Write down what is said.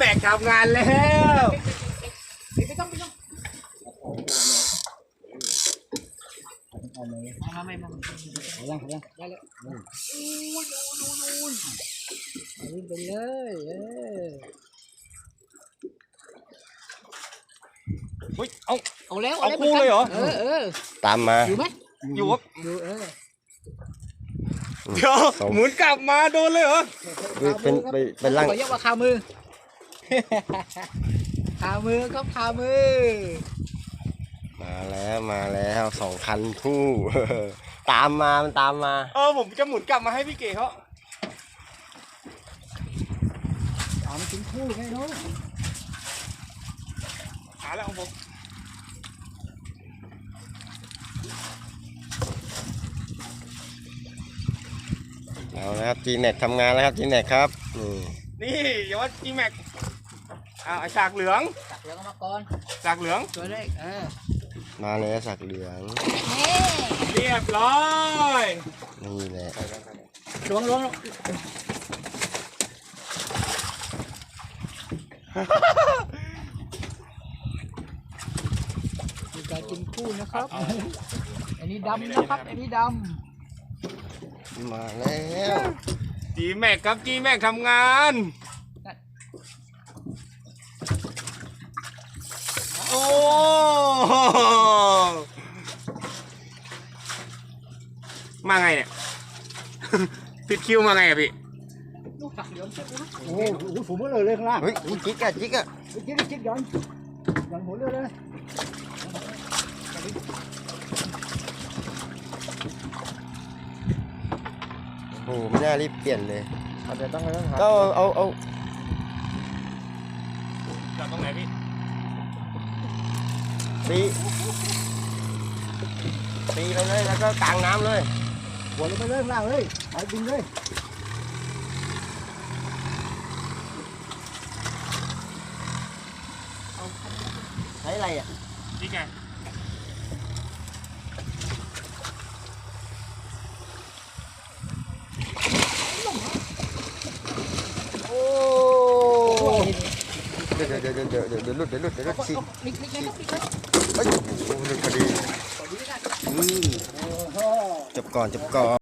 แบกทำงานแล้วไม่ต้องไม่ยังได้แล้ววิ่งไปเลยอุ้ยเอาแล้วเอาคู่เลยเหรอตามมาอยู่ไหมอยู่ครับอยู่เดี๋ยวหมุนกลับมาโดนเลยเหรอเป็นร่างขอเรียกว่าคามือคามือครับคามือมาแล้ว2 คันคู่ ตามมามันตามมาผมจะหมุนกลับมาให้พี่เก๋เขาเอามาถึงคู่ไงเนาะหาแล้วของผมเอาละครับ G-Max ทำงานแล้วครับ G-Max ครับนี่อย่าว่าจีแม็กไอฉากเหลืองตักเหลืองมาก่อนฉากเหลืองตัวเลขมาแล้วสักเหลืองเรียบร้อยนี่แหละล้วงมีการกินคู่นะครับอันนี้ดำนะครับอันนี้ดมาแล้วจีแม็กครับจีแม็กทำงาน โอ้มาไงเนี่ย ผิดคิวมาไงอะพี่ลูกตักเหลืองเสร็จแล้วโอ้โหผมก็เลยข้างล่างเฮ้ยจิ๊กอะจิ๊กย้อนหัวเรือเลยโอ้ไม่น่ารีบเปลี่ยนเลยเดี๋ยวต้องหาก็เอาจอดตรงไหนพี่ตีไปเลยแล้วก็กลางน้ำเลยหัวลงไปเลยข้างล่างเลยไปดึงเลยใช้อะไรอ่ะนี่ไงโอ้เดี๋ยวหลุดฉีกเฮ้ยหลุดพอดีจบก่อน